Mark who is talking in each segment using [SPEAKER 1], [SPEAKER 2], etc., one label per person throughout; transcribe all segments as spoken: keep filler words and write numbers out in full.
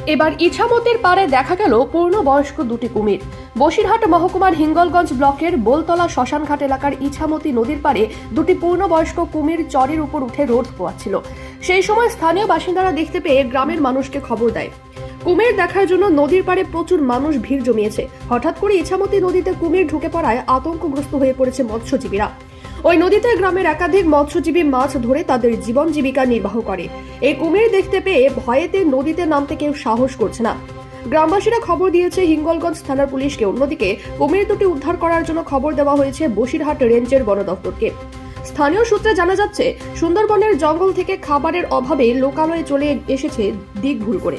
[SPEAKER 1] এবার ইছামতির পাড়ে দেখা গেল পূর্ণবয়স্ক দুটি কুমির। বসিরহাট মহকুমার হিঙ্গলগঞ্জ ব্লকের বোলতলা শ্মশানঘাট এলাকার ইছামতি নদীর পাড়ে দুটি পূর্ণবয়স্ক কুমির চরের উপর উঠে রোদ পোয়াচ্ছিল। সেই সময় স্থানীয় বাসিন্দারা দেখতে পেয়ে গ্রামের মানুষকে খবর দেয়। কুমির দেখার জন্য নদীর পাড়ে প্রচুর মানুষ ভিড় জমিয়েছে। হঠাৎ করে ইছামতি নদীতে কুমির ঢুকে পড়ায় আতঙ্কগ্রস্ত হয়ে পড়েছে মৎস্যজীবীরা। ওই নদীতে গ্রামের একাধিক মৎস্যজীবী মাছ ধরে তাদের জীবন জীবিকা নির্বাহ করে। এই কুমির দেখতে পেয়ে ভয়েতে নদীতে নামতে কেউ সাহস করছে না। গ্রামবাসীরা খবর দিয়েছে হিঙ্গলগঞ্জ থানার পুলিশকে। অন্যদিকে কুমির দুটি উদ্ধার করার জন্য খবর দেওয়া হয়েছে বসিরহাট রেঞ্জের বন দপ্তরকে। স্থানীয় সূত্রে জানা যাচ্ছে, সুন্দরবনের জঙ্গল থেকে খাবারের অভাবে লোকালয়ে চলে এসেছে দিক ভুল করে।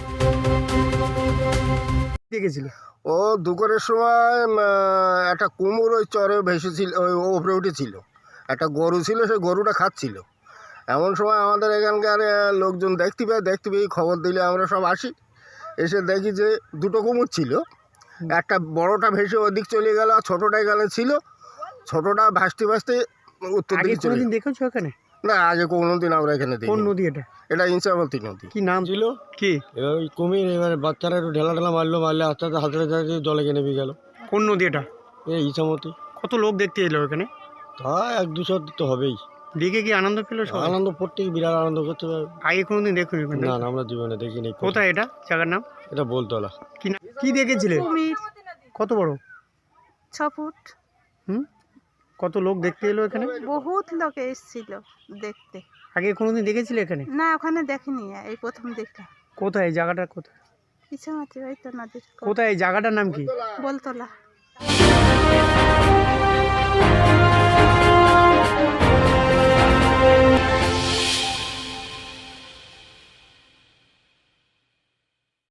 [SPEAKER 2] দেখেছিল
[SPEAKER 3] ও দুপুরের সময় একটা কুমড়ো ওই চরে ভেসেছিল, ওই ওপরে উঠেছিল। একটা গরু ছিল, সেই গরুটা খাচ্ছিল। এমন সময় আমাদের এখানকার লোকজন দেখতে পায়, দেখতে পেয়ে খবর দিলে আমরা সব আসি। এসে দেখি যে দুটো কুমড়ো ছিল। একটা বড়টা ভেসে ওদিক চলে গেল, আর ছোটোটা এখানে ছিল। ছোটোটা ভাসতে ভাসতে উত্তর দিকে চলে।
[SPEAKER 2] কোনোদিন দেখেছো এখানে?
[SPEAKER 3] না, আগে কোনোদিন আমরা এখানে দেখি।
[SPEAKER 2] কোন নদী এটা?
[SPEAKER 3] এটা ইছামতি নদী।
[SPEAKER 2] কি নাম ছিল? কি
[SPEAKER 4] এবার ওই কুমির, এবারে বাচ্চারা একটু ঢেলা ঢেলা মারলো, মারলে আস্তে আস্তে হাতে হাতে জলে গিয়ে নেমে গেল।
[SPEAKER 2] কোন নদী এটা?
[SPEAKER 4] এই ইছামতি।
[SPEAKER 2] কত লোক দেখতে এলো এখানে?
[SPEAKER 4] তা এক দুশো তো হবেই।
[SPEAKER 2] দেখে কি আনন্দ পেলো সবাই?
[SPEAKER 4] আনন্দ প্রত্যেক বিরাট আনন্দ করতে পারবে।
[SPEAKER 2] আগে কোনোদিন দেখুন?
[SPEAKER 4] না না, আমরা জীবনে দেখিনি।
[SPEAKER 2] কোথায় এটা? জায়গার নাম?
[SPEAKER 4] এটা বোলতলা।
[SPEAKER 2] কি নাম? কি দেখেছিলে?
[SPEAKER 5] কুমির
[SPEAKER 2] কত বড়?
[SPEAKER 5] ছ ফুট।
[SPEAKER 2] হুম, কত লোক দেখতে এলো এখানে?
[SPEAKER 5] বহুত লোক এসেছিল দেখতে।
[SPEAKER 2] আগে কোনোদিন দেখেছিলে এখানে?
[SPEAKER 5] না, ওখানে দেখিনি, এই প্রথম দেখলাম।
[SPEAKER 2] কোথায় এই জায়গাটা? কোথায়
[SPEAKER 5] ইছামতি, ওই তো নদীর
[SPEAKER 2] কোথায় এই জায়গাটার নাম কি?
[SPEAKER 5] বলতলা।